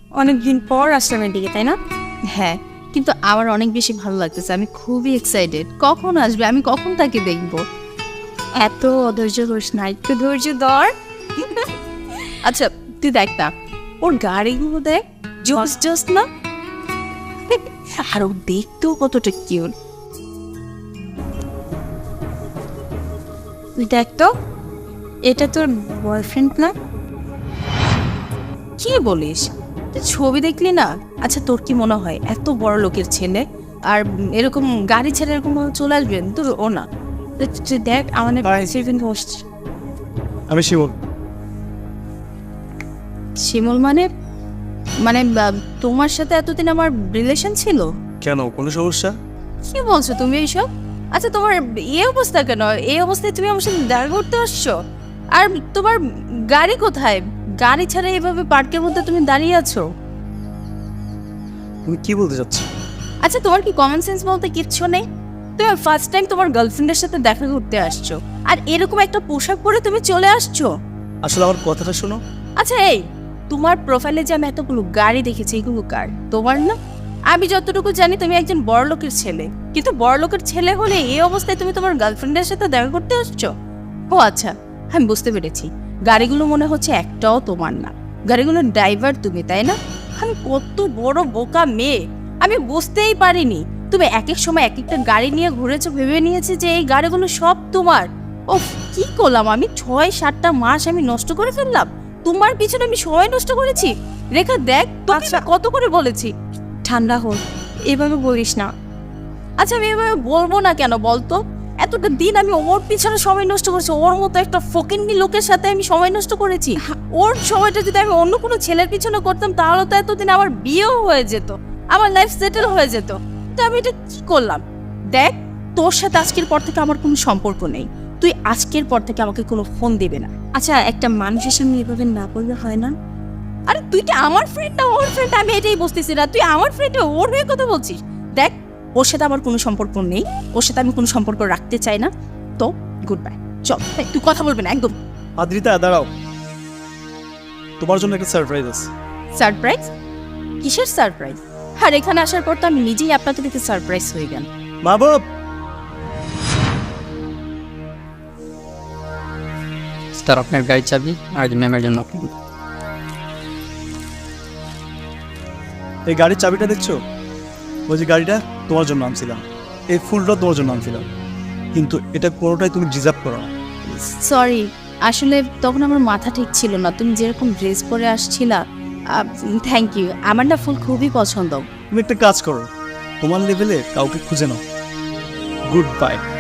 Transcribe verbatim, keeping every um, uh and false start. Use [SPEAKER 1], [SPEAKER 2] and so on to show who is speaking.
[SPEAKER 1] অনেকদিন পর আসলাম এদিকে, তাই না?
[SPEAKER 2] হ্যাঁ, কিন্তু আমার অনেক বেশি ভালো লাগতেছে। আমি খুবই এক্সাইটেড। কখন আসবে? আমি কখন তাকে দেখব?
[SPEAKER 1] এত অধৈর্য করিস না, একটু ধৈর্য ধর।
[SPEAKER 2] আচ্ছা, তুই দেখ না, ওর গাড়িগুলো দেখ, জোস জোস না? আর ও দেখতেও কতটা কিউট।
[SPEAKER 1] দেখ তো, এটা তোর বয়ফ্রেন্ড না?
[SPEAKER 2] কি বলিস? তুই ছবি দেখলি না? আচ্ছা, তোর কি মনে হয় এত বড় লোকের ছেলে আর এরকম গাড়ি ছেড়ে এরকম ভাবে চলে আসবেন? তোর ও না।
[SPEAKER 1] তুই- তুই দেখ আমাদের সেভেন হোস্ট।
[SPEAKER 3] আমি শিমুল।
[SPEAKER 2] শিমুল মানে মানে আহ, তোমার সাথে এতদিন আমার রিলেশন ছিল?
[SPEAKER 3] কেন, কোনো সমস্যা?
[SPEAKER 2] কি বলছো তুমি এইসব? আচ্ছা, তোমার এই অবস্থা কেন? এই অবস্থায় তুমি আমার সাথে দেখা করতে আসছো? আর তোমার গাড়ি কোথায়? গাড়ি ছাড়া এইভাবে পার্কের মধ্যে তুমি দাঁড়িয়ে আছো?
[SPEAKER 3] তুমি কি বলতে চাচ্ছ?
[SPEAKER 2] আচ্ছা, তোমার কি কমন সেন্স বলতে কিচ্ছু নেই? তুমি ফার্স্ট টাইম তোমার গার্লফ্রেন্ডের সাথে দেখা করতে আসছো, আর এরকম একটা পোশাক পরে তুমি চলে আসছো?
[SPEAKER 3] আসলে আমার কথাটা শোনো।
[SPEAKER 2] আচ্ছা, এই তোমার প্রোফাইলে যে আমি এতগুলো গাড়ি দেখেছি, এগুলো কার? তোমার না? আমি যতটুকু জানি তুমি একজন বড়লোকের ছেলে, কিন্তু বড়লোকের ছেলে হলে এই অবস্থায় তুমি তোমার গার্লফ্রেন্ডের সাথে দেখা করতে আসছো? ও আচ্ছা, আমি বুঝতে পেরেছি। গাড়িগুলো মনে হচ্ছে একটাও তোমার না, গাড়িগুলোর ড্রাইভার তুমি, তাই না? আমি কত বড় বোকা মেয়ে, আমি বুঝতেই পারিনি। তুমি এক এক সময় এক একটা গাড়ি নিয়ে ঘুরেছো, ভেবে নিয়েছি যে এই গাড়িগুলো সব তোমার। ওফ, কি করলাম আমি? ছয় সাতটা মাস আমি নষ্ট করে ফেললাম তোমার পিছনে। আমি সময় নষ্ট করেছি। রেখা দেখ, তোকে
[SPEAKER 1] আচ্ছা।
[SPEAKER 2] কত করে বলেছি।
[SPEAKER 1] ঠান্ডা হোক, এভাবে বলিস না।
[SPEAKER 2] আচ্ছা, আমি এভাবে বলবো না কেন বলতো? এতটা দিন আমি ওর পিছনে সময় নষ্ট করেছি, ওর মতো একটা ফকিন্নি লোকের সাথে আমি সময় নষ্ট করেছি। ওর সময়টা যদি আমি অন্য কোনো ছেলের পিছনে করতাম, তাহলে তো এতদিন আমার বিয়েও হয়ে যেত, আমার লাইফ সেটেল হয়ে যেত। তো আমি এটা কি করলাম? দেখ, তোর সাথে আজকের পর থেকে আমার কোনো সম্পর্ক নেই। তুই আজকের পর থেকে আমাকে কোনো ফোন দিবে না।
[SPEAKER 1] আচ্ছা, একটা মানুষের সামনে এভাবে না বললে হয় না?
[SPEAKER 2] আরে তুই কি আমার ফ্রেন্ড না ওর ফ্রেন্ড? আমি এটাই বুঝতেছি না। তুই আমার ফ্রেন্ডে ওর হয়ে কথা বলছিস? দেখ, ওর সাথে আমার কোনো সম্পর্ক নেই, ওর সাথে আমি কোনো সম্পর্ক রাখতে চাই না। তো গুড বাই, চল। এই, তুই কথা বলবি না একদম।
[SPEAKER 3] আদ্রিতা, দাঁড়াও, তোমার জন্য একটা সারপ্রাইজ আছে।
[SPEAKER 2] সারপ্রাইজ? কিসের সারপ্রাইজ? আর এখানে আসার পর তো আমি নিজেই আপনাকে দেখে সারপ্রাইজ হয়ে গেল।
[SPEAKER 3] মা বাপ,
[SPEAKER 4] স্যার আপনার গাড়ির চাবি আর ম্যামের জন্য আপনি।
[SPEAKER 3] এই গাড়ির চাবিটা দেখছো? ওই যে গাড়িটা তোমার জন্য আনছিলাম, এই ফুলটা তোমার জন্য আনছিলাম, কিন্তু এটা কোনোটাই তুমি ডিজার্ভ করো না।
[SPEAKER 2] সরি, আসলে তখন আমার মাথা ঠিক ছিল না। তুমি যেরকম ড্রেস পরে আসছিলা, থ্যাংক ইউ। আমার না ফুল খুবই পছন্দ।
[SPEAKER 3] তুমি একটা কাজ করো, তোমার লেভেলে কাউকে খুঁজে নাও। Good bye.